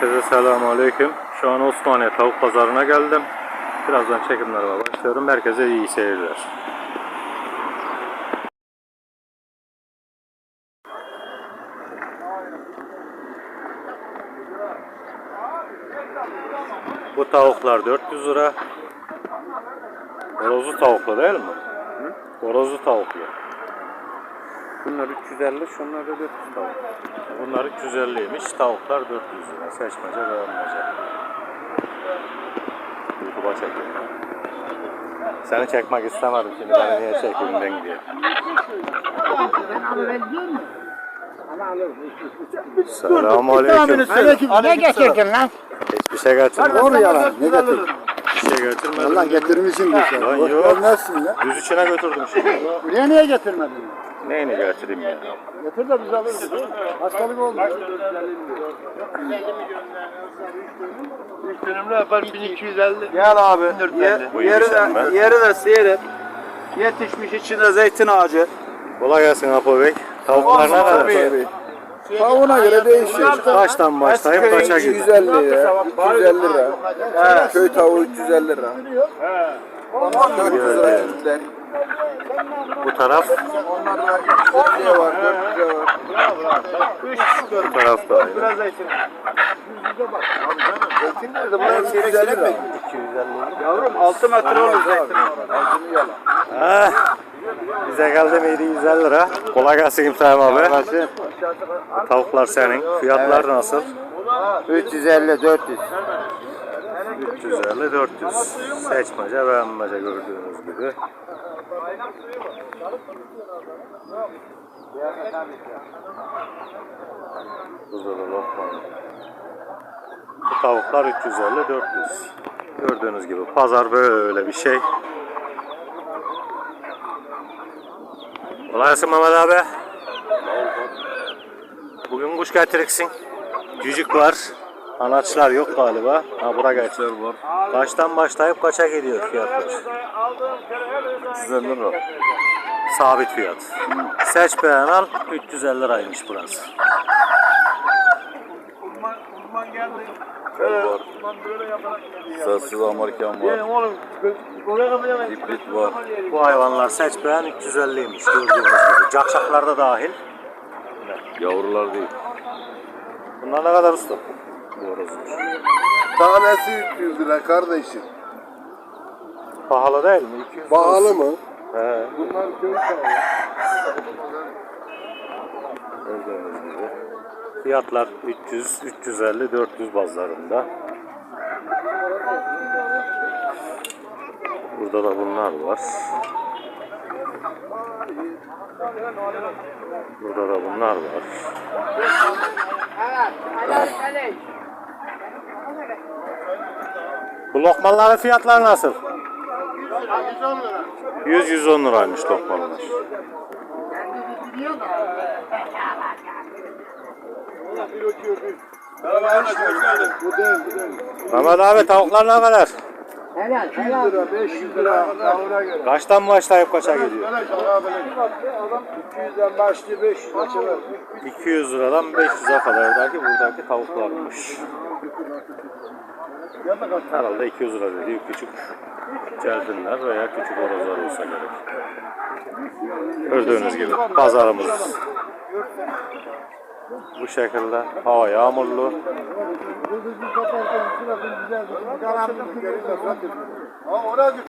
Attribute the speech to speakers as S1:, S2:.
S1: Herkese selamünaleyküm. Şu an Osmaniye Tavuk Pazarı'na geldim. Birazdan çekimlerime başlıyorum. Herkese iyi seyirler. Bu tavuklar 400 lira. Horozlu tavuklu değil mi? Horozlu tavuklu.
S2: Bunlar 350, şunlar da 400 tavuk.
S1: Bunlar 350'ymiş. Tavuklar 400 lira. Seçmece beğenmece. YouTube'a çekeyim ya. Seni çekmek istemedim şimdi. Beni niye çekeyim ben diye. Selamünaleyküm.
S3: Ne getirdin lan?
S1: Hiçbir şey getirmedim.
S3: Doğru yalan. Ne getirdin?
S1: Bir şey getirmedim.
S3: Lan getirmişsin bir şey.
S1: Lan yok.
S3: Nasılsın ya?
S1: Düz içine götürdüm şimdi.
S3: Buraya niye getirmedin?
S1: Neyini getireyim ya?
S3: Getir de biz alırız. Hastalık oldu.
S2: 3 dönümlü yapar 1250.
S4: Gel abi.
S1: Bu iyiymiş ama.
S4: Yeri de seyret. Yetişmiş içinde zeytin ağacı.
S1: Kolay gelsin Apo Bey. Tavuklar ne kadar?
S3: Tavuğuna göre değişiyor.
S1: Kaçtan başlayıp kaça gidiyor?
S3: 250 lira, 250 lira. Köy tavuğu 350 lira. 400 lira çiftler.
S1: Bu taraf,
S3: Onlarda 300 lira var, 400 lira var.
S1: bu taraf da aynı.
S4: Biraz zeytin.
S3: Zeytin nerede? Bunlar 250 lira.
S4: Yavrum 6 metre olur zeytin.
S1: Bize geldi miydi 150 lira. Kolay gelsin İbrahim abi. Tavuklar senin. Fiyatlar nasıl?
S3: 350, 400.
S1: 350, 400. Seçmece beğenmece gördüğünüz gibi. Burada da lokma. Bu tavuklar 350, 400. Gördüğünüz gibi pazar böyle bir şey. Kolay gelsin Mehmet abi. Bugün kuş getiriksin. Cücük var. Anaçlar yok galiba. Ha bura geçer var. Kaçtan başlayıp kaça gidiyor fiyatlar?
S3: 350 lira.
S1: Sabit fiyat. Seç beğen al. 350 liraymış burası.
S3: Sessiz Amerikan var. Hibrit var.
S1: Bu hayvanlar seç beğen 350'ymiş gördüğünüz gibi. Cakşaklar da dahil.
S3: Yavrular değil.
S1: Bunlar ne kadar usta? Bu horozlar.
S3: Tanesi 300 lira kardeşim.
S1: Pahalı değil mi? 200 lira.
S3: Pahalı mı?
S1: He.
S3: Bunlar köy tavuğu.
S1: Gördüğünüz gibi. Fiyatlar 300, 350, 400 bazlarında. Burada da bunlar var. Burada da bunlar var. Bu lokmaların fiyatları nasıl? 100-110 liraymış lokmalar. Mehmet abi tavuklar ne kadar?
S3: 200 lira, 500 lira tavuğuna göre.
S1: Kaçtan başlayıp kaça gidiyor?
S3: 200'den başlıyor 500'e çıkar.
S1: 200 liradan 500'e kadar buradaki tavuklarmış. Herhalde 200 lira dediği küçük celtinler veya küçük horozlar olsa gerek. Gördüğünüz gibi pazarımız bu şekilde. Hava yağmurlu.